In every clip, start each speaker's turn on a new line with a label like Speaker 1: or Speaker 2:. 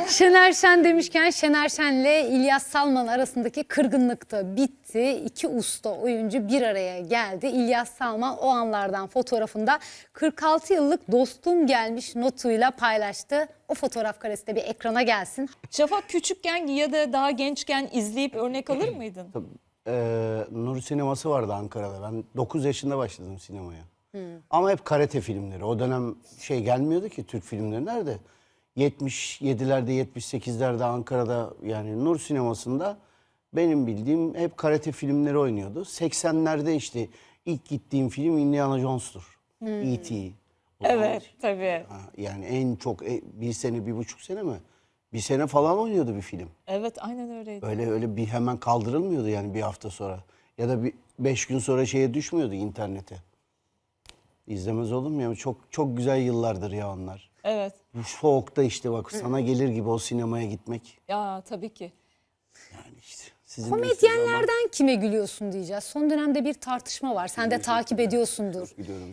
Speaker 1: Şener Şen demişken Şener Şen'le İlyas Salman arasındaki kırgınlık da bitti. İki usta oyuncu bir araya geldi. İlyas Salman o anlardan fotoğrafında 46 yıllık dostum gelmiş notuyla paylaştı. O fotoğraf karesi de bir ekrana gelsin.
Speaker 2: Şafak küçükken ya da daha gençken izleyip örnek alır mıydın?
Speaker 3: Nur sineması vardı Ankara'da. Ben 9 yaşında başladım sinemaya. Ama hep karate filmleri. O dönem şey gelmiyordu ki Türk filmleri nerede? 77'lerde 78'lerde Ankara'da yani Nur sinemasında benim bildiğim hep karate filmleri oynuyordu. 80'lerde işte ilk gittiğim film Indiana Jones'tur. E.T.
Speaker 2: Evet tabii.
Speaker 3: Yani en çok bir sene, 1,5 sene mi? Bir sene falan oynuyordu bir film.
Speaker 2: Evet aynen öyleydi.
Speaker 3: Öyle bir hemen kaldırılmıyordu yani bir hafta sonra. Ya da bir 5 gün sonra şeye düşmüyordu internete. İzlemez olur mu ya? Çok güzel yıllardır ya onlar.
Speaker 2: Evet.
Speaker 3: Bu soğukta işte bak sana gelir gibi o sinemaya gitmek.
Speaker 2: Ya tabii ki.
Speaker 3: Yani işte sizin
Speaker 1: Komedyenlerden kime gülüyorsun diyeceğiz. Son dönemde bir tartışma var. Sen de takip ediyorsundur.
Speaker 3: Biliyorum.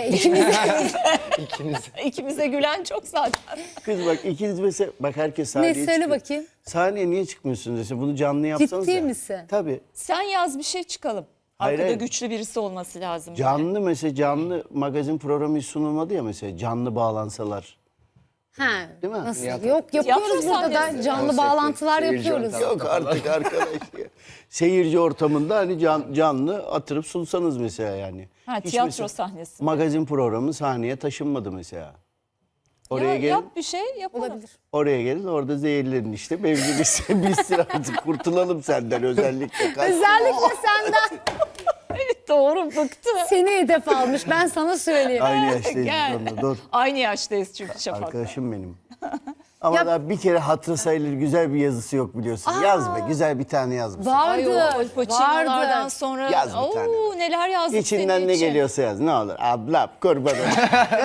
Speaker 2: İkimize gülen çok zaten.
Speaker 3: Kız bak ikiniz mesela bak herkes sahneye
Speaker 1: Ne söyle
Speaker 3: çıkıyor.
Speaker 1: bakayım.
Speaker 3: Sahneye niye çıkmıyorsunuz dese bunu canlı yapsanız
Speaker 1: Ciddi
Speaker 3: ya.
Speaker 1: misin?
Speaker 3: Tabii.
Speaker 2: Sen yaz bir şey çıkalım.
Speaker 3: Hayır,
Speaker 2: Arkada
Speaker 3: hayır.
Speaker 2: güçlü birisi olması lazım.
Speaker 3: Canlı mesela canlı magazin programı hiç sunulmadı ya mesela canlı bağlansalar.
Speaker 1: Ha,
Speaker 3: Değil mi?
Speaker 1: nasıl?
Speaker 3: Tiyatro.
Speaker 1: Yok yapıyoruz
Speaker 2: Tiyatro
Speaker 1: burada da
Speaker 2: sahnesi.
Speaker 1: canlı
Speaker 4: Konsepti,
Speaker 1: bağlantılar
Speaker 4: seyirci
Speaker 1: yapıyoruz.
Speaker 4: ortamı.
Speaker 3: Yok artık arkadaş ya. Seyirci ortamında hani canlı atırıp sunsanız mesela yani.
Speaker 2: Ha,
Speaker 3: Hiç
Speaker 2: tiyatro
Speaker 3: mesela
Speaker 2: sahnesi.
Speaker 3: Magazin programı sahneye taşınmadı mesela. Oraya
Speaker 2: Ya,
Speaker 3: gelin,
Speaker 2: yap bir şey yapalım.
Speaker 1: Olabilir.
Speaker 3: oraya gelin orada zehirlenin işte. Mevzimiz bitsin artık kurtulalım senden özellikle.
Speaker 1: Özellikle senden
Speaker 2: Evet doğru bıktı.
Speaker 1: seni hedef almış. Ben sana söyleyeyim.
Speaker 3: Aynı yaştayız
Speaker 2: Gel.
Speaker 3: biz onunla. Dur.
Speaker 2: Aynı yaştayız çünkü Şafak.
Speaker 3: Arkadaşım benim. Ama
Speaker 1: Ya-
Speaker 3: daha bir kere hatırı sayılır güzel bir yazısı yok biliyorsun. Yaz be güzel bir tane yaz mısın?
Speaker 2: Ay o
Speaker 1: Vardı.
Speaker 2: Al Pacino'lardan
Speaker 1: Vardı.
Speaker 2: sonra
Speaker 3: Yaz bir tane.
Speaker 2: neler yazdık
Speaker 3: İçinden
Speaker 2: senin
Speaker 3: ne
Speaker 2: için.
Speaker 3: geliyorsa yaz ne olur. Ablam kurban olayım.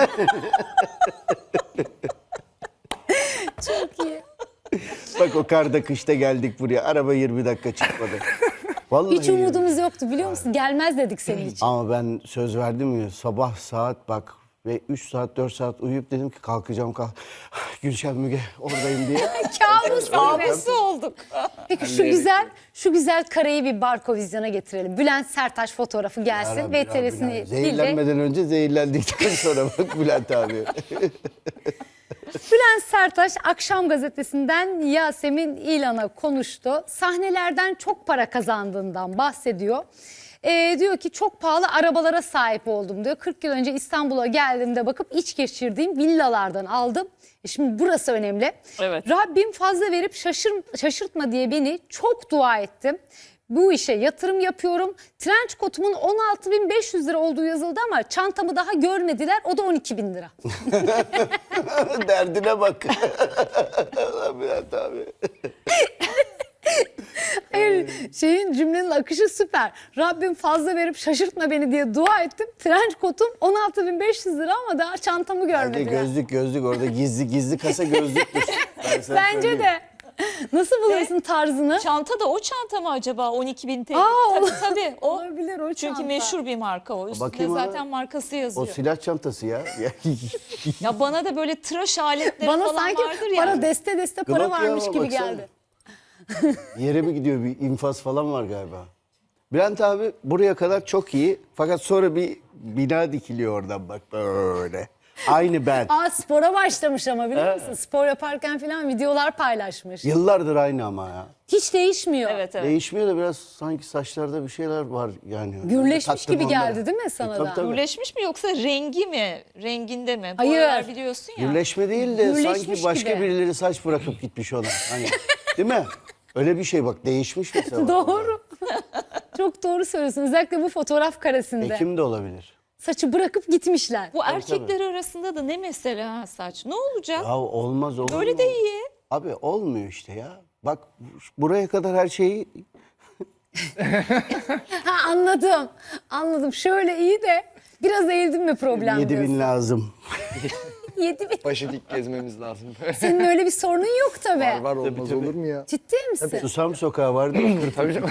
Speaker 1: Çok iyi.
Speaker 3: Bak o karda kışta geldik buraya. Araba 20 dakika çıkmadı. Vallahi
Speaker 1: Hiç umudumuz yoktu biliyor musun? Gelmez dedik senin için.
Speaker 3: Ama ben söz verdim ya sabah saat bak ve 3 saat 4 saat uyuyup dedim ki kalkacağım Gülşen Müge oradayım diye.
Speaker 1: Kabus gibi.
Speaker 2: Kabusu olduk.
Speaker 1: Peki şu güzel kareyi bir Barkovizyon'a getirelim. Bülent Sertaç fotoğrafı gelsin.
Speaker 3: Rabbi,
Speaker 1: VTR'sini
Speaker 3: Rabbi,
Speaker 1: değil de
Speaker 3: zehirlenmeden önce zehirlendikten sonra bak Bülent abi.
Speaker 1: Bülent Sertaç Akşam Gazetesi'nden Yasemin İlhan'a konuştu. Sahnelerden çok para kazandığından bahsediyor. Diyor ki çok pahalı arabalara sahip oldum diyor. 40 yıl önce İstanbul'a geldiğimde bakıp iç geçirdiğim villalardan aldım. Şimdi burası önemli.
Speaker 2: Evet.
Speaker 1: Rabbim fazla verip şaşırtma diye beni çok dua ettim. Bu işe yatırım yapıyorum. Trenç kotumun 16.500 lira olduğu yazıldı ama çantamı daha görmediler. O da 12.000 lira.
Speaker 3: Derdine bak. Ulan Bülent abi.
Speaker 1: Hayır, cümlenin akışı süper. Rabbim fazla verip şaşırtma beni diye dua ettim. Trenç kotum 16.500 lira ama daha çantamı
Speaker 3: Bence
Speaker 1: görmediler.
Speaker 3: gözlük orada gizli kasa gözlüktür. Ben sana
Speaker 1: Bence
Speaker 3: söyleyeyim.
Speaker 1: de. Nasıl bulursun tarzını?
Speaker 2: Çanta da o çanta mı acaba 12.000 TL?
Speaker 1: Aa,
Speaker 2: Tabii o.
Speaker 1: Olabilir o
Speaker 2: Çünkü
Speaker 1: çanta.
Speaker 2: meşhur bir marka o. Üstünde
Speaker 3: Bakayım ona.
Speaker 2: zaten markası
Speaker 3: O
Speaker 2: yazıyor.
Speaker 3: silah çantası ya.
Speaker 2: Ya bana da böyle tıraş aletleri
Speaker 1: Bana
Speaker 2: falan
Speaker 1: sanki
Speaker 2: vardır ya.
Speaker 1: para deste para
Speaker 3: Glock ya,
Speaker 1: varmış gibi
Speaker 3: baksana.
Speaker 1: geldi.
Speaker 3: Yere mi gidiyor bir infaz falan var galiba. Bülent abi buraya kadar çok iyi. Fakat sonra bir bina dikiliyor oradan bak böyle. Aynı ben.
Speaker 1: Spora başlamış ama biliyor musun? Spor yaparken falan videolar paylaşmış.
Speaker 3: Yıllardır aynı ama ya.
Speaker 1: Hiç değişmiyor.
Speaker 2: Evet evet.
Speaker 3: Değişmiyor da biraz sanki saçlarda bir şeyler var yani.
Speaker 1: Gürleşmiş
Speaker 3: Taktım
Speaker 1: gibi
Speaker 3: onlara.
Speaker 1: geldi değil mi sana
Speaker 3: Tabii,
Speaker 1: da?
Speaker 3: tabii.
Speaker 2: Gürleşmiş mi yoksa rengi mi? Renginde mi? Bu
Speaker 1: Hayır.
Speaker 2: aralar biliyorsun ya.
Speaker 3: Gürleşme değil de
Speaker 1: Gürleşmiş
Speaker 3: sanki başka
Speaker 1: gibi.
Speaker 3: birileri saç bırakıp gitmiş ona. Hani, değil mi? Öyle bir şey bak değişmiş mesela.
Speaker 1: Doğru. Çok doğru söylüyorsun. Özellikle bu fotoğraf karesinde.
Speaker 3: Ekim de olabilir.
Speaker 1: Saçı bırakıp gitmişler.
Speaker 2: Bu erkekler arasında da ne mesela saç? Ne olacak?
Speaker 3: Ya olmaz olur
Speaker 2: Böyle
Speaker 3: mu?
Speaker 2: de iyi.
Speaker 3: Abi olmuyor işte ya. Bak buraya kadar her şeyi
Speaker 1: Ha anladım. Anladım. Şöyle iyi de biraz eğildim mi problem
Speaker 3: 7.000
Speaker 1: diyorsun.
Speaker 3: lazım.
Speaker 1: 7.000.
Speaker 4: Başı dik gezmemiz lazım.
Speaker 1: Senin öyle bir sorunun yok tabii.
Speaker 4: Var olmaz olur mu ya?
Speaker 1: Ciddi misin?
Speaker 3: Susam sokağı vardı ya. Tabii canım.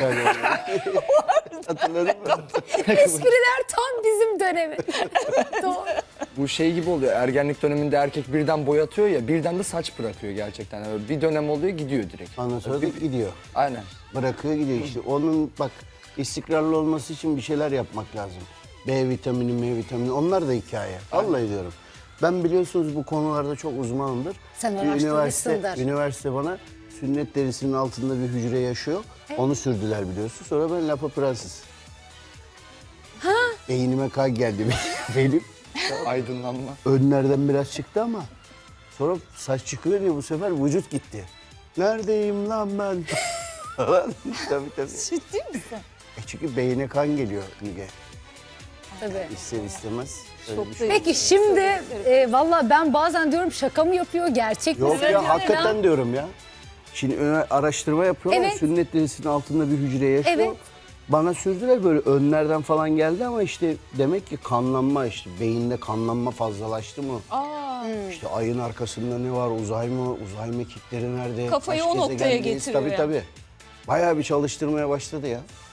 Speaker 3: Hatırladın mı?
Speaker 1: Espriler tam bizim dönemi. Doğru.
Speaker 4: Bu şey gibi oluyor. Ergenlik döneminde erkek birden boyatıyor ya, birden de saç bırakıyor gerçekten. Yani bir dönem oluyor, gidiyor direkt.
Speaker 3: Ondan sonra da gidiyor.
Speaker 4: Aynen.
Speaker 3: Bırakıyor gidiyor işte. Onun bak istikrarlı olması için bir şeyler yapmak lazım. B vitamini, M vitamini onlar da hikaye. Vallahi diyorum. Ben biliyorsunuz bu konularda çok uzmanımdır.
Speaker 1: Sen
Speaker 3: Bir
Speaker 1: araştırmışsındır.
Speaker 3: üniversite bana sünnet derisinin altında bir hücre yaşıyor. Onu sürdüler biliyorsun. Sonra ben lapa prenses. Beynime kan geldi benim.
Speaker 4: Aydınlanma.
Speaker 3: Önlerden biraz çıktı ama sonra saç çıkıyor diye bu sefer vücut gitti. Neredeyim lan ben? Falan. Tabii.
Speaker 2: Ciddi misin?
Speaker 3: Çünkü beyine kan geliyor Müge.
Speaker 1: Tabii.
Speaker 3: İster istemez. öyle bir şey.
Speaker 1: Peki şimdi valla ben bazen diyorum şaka mı yapıyor, gerçek mi?
Speaker 3: Yok
Speaker 1: söylüyor
Speaker 3: ya hakikaten
Speaker 1: ya?
Speaker 3: diyorum ya. Şimdi araştırma yapıyorlar.
Speaker 1: Evet.
Speaker 3: Sünnet derisinin altında bir hücre yaşıyor.
Speaker 1: Evet.
Speaker 3: Bana sürdüler böyle önlerden falan geldi ama işte demek ki kanlanma işte beyinde kanlanma fazlalaştı mı? İşte ayın arkasında ne var? Uzay mı? Uzay mekikleri nerede?
Speaker 2: Kafayı
Speaker 3: Kaç
Speaker 2: o noktaya
Speaker 3: gezegendeyiz?
Speaker 2: getiriyor
Speaker 3: Tabii
Speaker 2: yani.
Speaker 3: tabii. Bayağı bir çalıştırmaya başladı ya.